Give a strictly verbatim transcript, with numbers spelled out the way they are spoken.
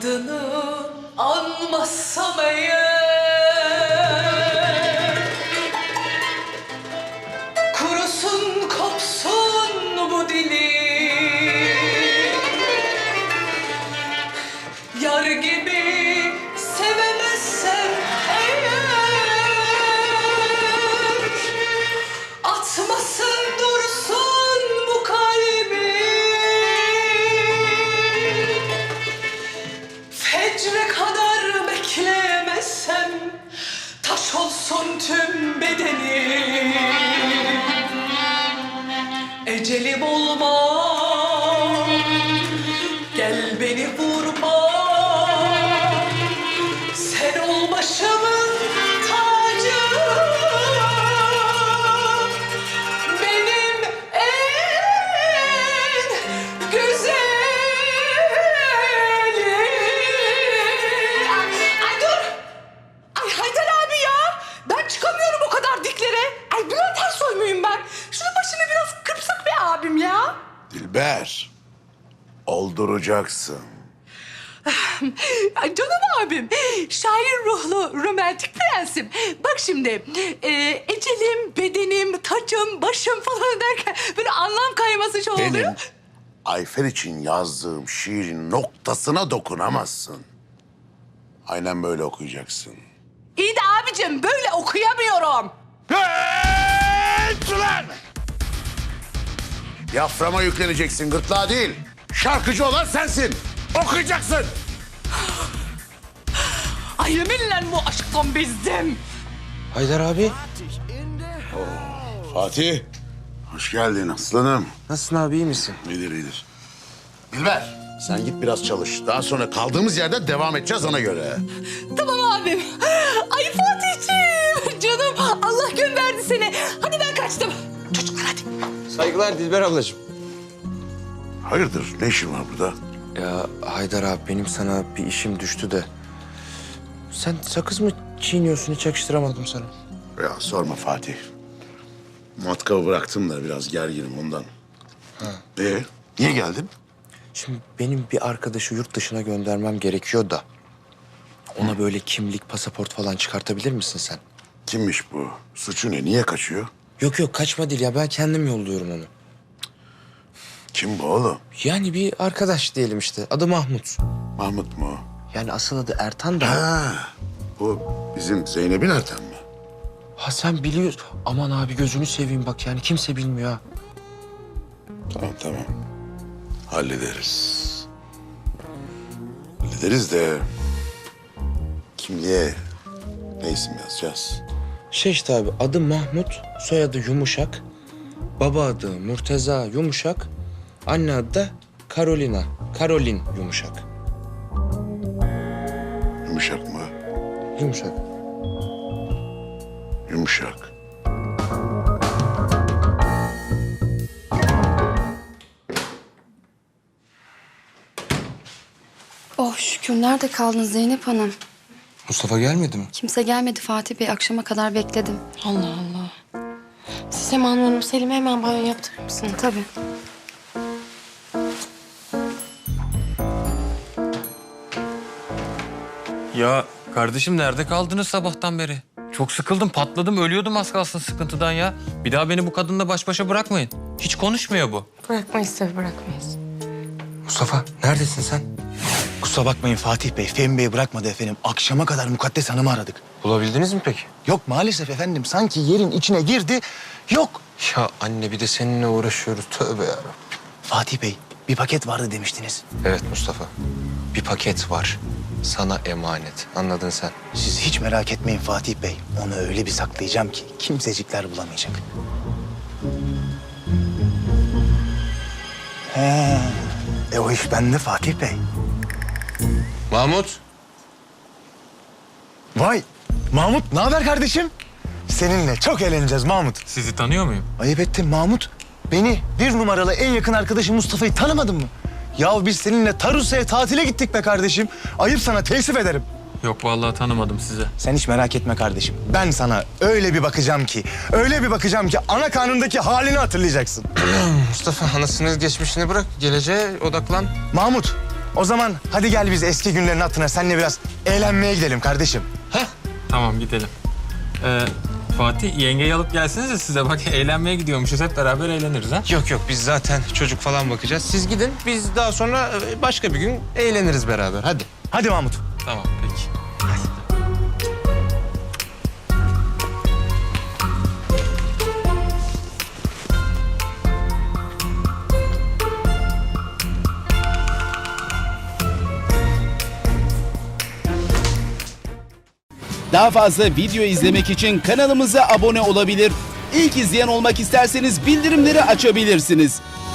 adını anmazsam eğer, kurusun kopsun bu dilim, yar gibi sevemezsem eğer, atmasın dursun bu kalbi, fecre kadar bekleyemezsem taş olsun tüm bedenim, ecelim olma, gel beni vurma, sen ol başımın tacı, benim en güzelim. Ay dur! Ay Haydar abi ya! Ben çıkamıyorum o kadar diklere. Ay Bülent Ersoy muyum ben? Şunun başını biraz kırpsak be abim ya. Dilber, olduracaksın. Ay canım abim, şair ruhlu romantik prensim. Bak şimdi, e, ecelim, bedenim, tacım, başım falan derken böyle anlam kayması şey oluyor. Benim Ayfer için yazdığım şiirin noktasına dokunamazsın. Aynen böyle okuyacaksın. İyi de abicim böyle okuyamıyorum. Hey, ulan! Yaframa yükleneceksin, gırtlağa değil. Şarkıcı olan sensin. Okuyacaksın. Ay yeminle bu aşktan bezdim. Haydar abi. Fatih, hoş geldin aslanım. Nasılsın abi, iyi misin? İyidir, iyidir. Dilber, sen git biraz çalış. Daha sonra kaldığımız yerden devam edeceğiz ona göre. Tamam abim. Ay Fatihciğim, canım Allah gönderdi seni. Hadi ben kaçtım. Çocuklar hadi. Saygılar Dilber ablacığım. Hayırdır, ne işin var burada? Ya Haydar abi, benim sana bir işim düştü de. Sen sakız mı çiğniyorsun, hiç yakıştıramadım sana. Ya sorma Fatih. Matkabı bıraktım da biraz gerginim ondan. Ha. Ee, niye geldin? Şimdi benim bir arkadaşı yurt dışına göndermem gerekiyor da. Ona böyle kimlik, pasaport falan çıkartabilir misin sen? Kimmiş bu? Suçu ne? Niye kaçıyor? Yok yok, kaçma değil ya, ben kendim yolluyorum onu. Kim bu oğlum? Yani bir arkadaş diyelim işte, adı Mahmut. Mahmut mu? Yani asıl adı Ertan da. Ha, bu bizim Zeynep'in Ertan mı? Ha sen biliyorsun. Aman abi gözünü seveyim bak, yani kimse bilmiyor ha. Tamam tamam. Hallederiz. Hallederiz de kimliğe ne isim yazacağız? Şey işte abi, adı Mahmut, soyadı Yumuşak. Baba adı Murteza Yumuşak. Anne adı da Carolina. Karolin Yumuşak. Yumuşak mı? Yumuşak. Yumuşak. Oh şükür. Nerede kaldın Zeynep Hanım? Mustafa gelmedi mi? Kimse gelmedi Fatih Bey. Akşama kadar bekledim. Allah Allah. Sinem Hanım, Selim'e hemen banyo yaptırır mısın? Tabii. Ya kardeşim nerede kaldınız sabahtan beri? Çok sıkıldım, patladım, ölüyordum az kalsın sıkıntıdan ya. Bir daha beni bu kadınla baş başa bırakmayın. Hiç konuşmuyor bu. Bırakmayız tabii, bırakmayız. Mustafa neredesin sen? Kusura bakmayın Fatih Bey, Fehmi Bey bırakmadı efendim. Akşama kadar Mukaddes Hanım'ı aradık. Bulabildiniz mi peki? Yok maalesef efendim, sanki yerin içine girdi, yok. Ya anne, bir de seninle uğraşıyoruz, tövbe yarabbim. Fatih Bey, bir paket vardı demiştiniz. Evet Mustafa, bir paket var. Sana emanet, anladın sen. Siz hiç merak etmeyin Fatih Bey. Onu öyle bir saklayacağım ki kimsecikler bulamayacak. He, e o iş bende Fatih Bey. Mahmut. Vay, Mahmut ne haber kardeşim? Seninle çok eğleneceğiz Mahmut. Sizi tanıyor muyum? Ayıp ettin Mahmut. Beni bir numaralı en yakın arkadaşım Mustafa'yı tanımadın mı? Ya biz seninle Tarusa'ya tatile gittik be kardeşim. Ayıp sana, teessüf ederim. Yok vallahi tanımadım sizi. Sen hiç merak etme kardeşim. Ben sana öyle bir bakacağım ki, öyle bir bakacağım ki ana karnındaki halini hatırlayacaksın. Mustafa, anasını geçmişini bırak, geleceğe odaklan. Mahmut, O zaman hadi gel biz eski günlerin hatırına seninle biraz eğlenmeye gidelim kardeşim. Heh. Tamam gidelim. Ee, Fatih yengeyi alıp gelsenize size bak eğlenmeye gidiyormuşuz. Hep beraber eğleniriz ha. Yok yok biz zaten çocuk falan bakacağız. Siz gidin biz daha sonra e, başka bir gün eğleniriz beraber. Hadi. Hadi Mahmut. Tamam peki. Daha fazla video izlemek için kanalımıza abone olabilir. İlk izleyen olmak isterseniz bildirimleri açabilirsiniz.